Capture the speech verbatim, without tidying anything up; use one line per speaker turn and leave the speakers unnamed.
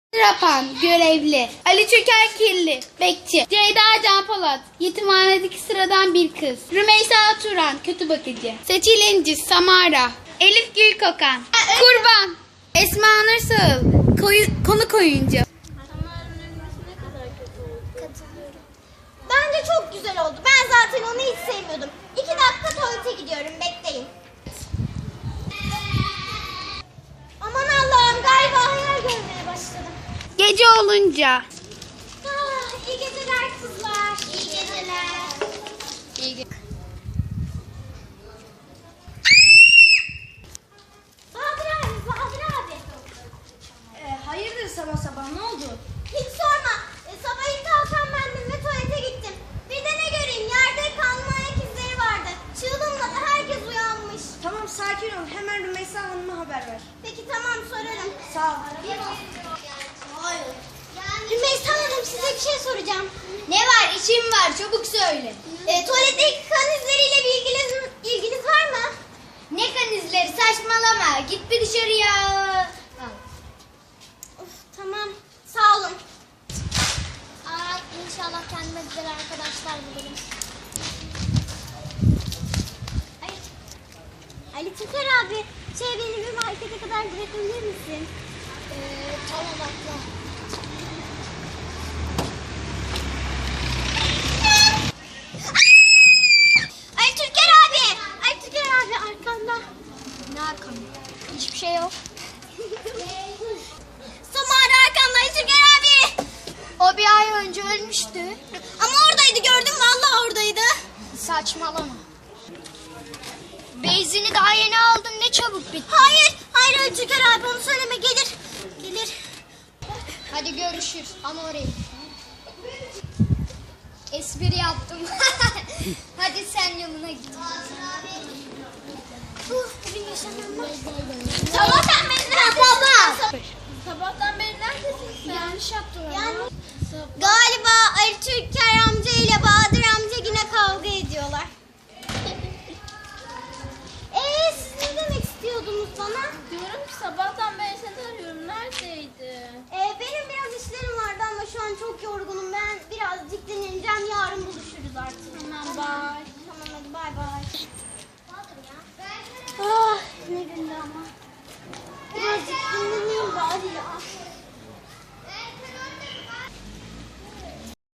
Rapan, görevli. Ali Çöker Kirli, bekçi. Ceyda Can Polat, yetimhanedeki sıradan bir kız. Rümeysa Turan, kötü bakıcı. Seçil İnci, Samara. Elif Gül Kokan, kurban. Esma Nur Sağıl, koyu, konuk oyuncu.
Bence çok güzel oldu. Ben zaten onu hiç sevmiyordum. İki dakika tuvalete gidiyorum. Bekleyin. Aman Allah'ım, galiba hayal görmeye başladım.
Gece olunca.
Ah, iyi geceler kızlar. İyi geceler.
İyi ge-
Bahadır abi, Bahadır abi.
Ee, hayırdır sabah sabah ne oldu?
Hiç sorma. E, sabah ilk kalkan bendim ve tuvalete gittim. Bir de ne göreyim, yerde kanlı ayak izleri vardı. Çığlığımla da herkes uyanmış.
Tamam sakin ol, hemen Rümeysa Hanım'a haber ver.
Peki tamam, sorarım.
Sağ ol.
Rümeysa Hanım, size bir şey soracağım.
Ne var? İşim var. Çabuk söyle.
E, tuvaletteki kan izleriyle bir ilginiz, ilginiz var mı?
Ne kan izleri? Saçmalama. Git bir dışarıya.
Of, tamam. Sağ olun. Ay, inşallah kendime güzel arkadaşlar bulurum. Ay. Ali Çöker abi, şey beni bir markete kadar bırakabilir misin? Ee, tamam abla. Ali Türker abi! Ali Türker abi, arkanda. Ne arkamda? Hiçbir şey yok. Samara arkamda, Ali Türker abi!
O bir ay önce ölmüştü.
Ama oradaydı, gördüm, vallahi oradaydı.
Saçmalama. Benzini daha yeni aldım. Ne çabuk bitti.
Hayır, hayır Ali Türker abi, onu söyleme, gelir. Gelir.
Hadi görüşürüz. Ama oraya git. Espri yaptım. Hadi sen yoluna git.
Uh, bugün yaşananlar. Sabahtan beri neredesin?
Sabahtan beri neredesin sen? Yanlış yaptılar.
Yani, galiba Ali Türker amca ile Bahadır amca yine kavga ediyorlar. Eee siz ne demek istiyordunuz bana?
Diyorum ki sabahtan beri seni arıyorum. Neredeydin?
Ee, benim biraz işlerim vardı ama şu an çok yorgunum. Ben birazcık dinleneceğim. Yarın buluşuruz artık.
Tamam bak.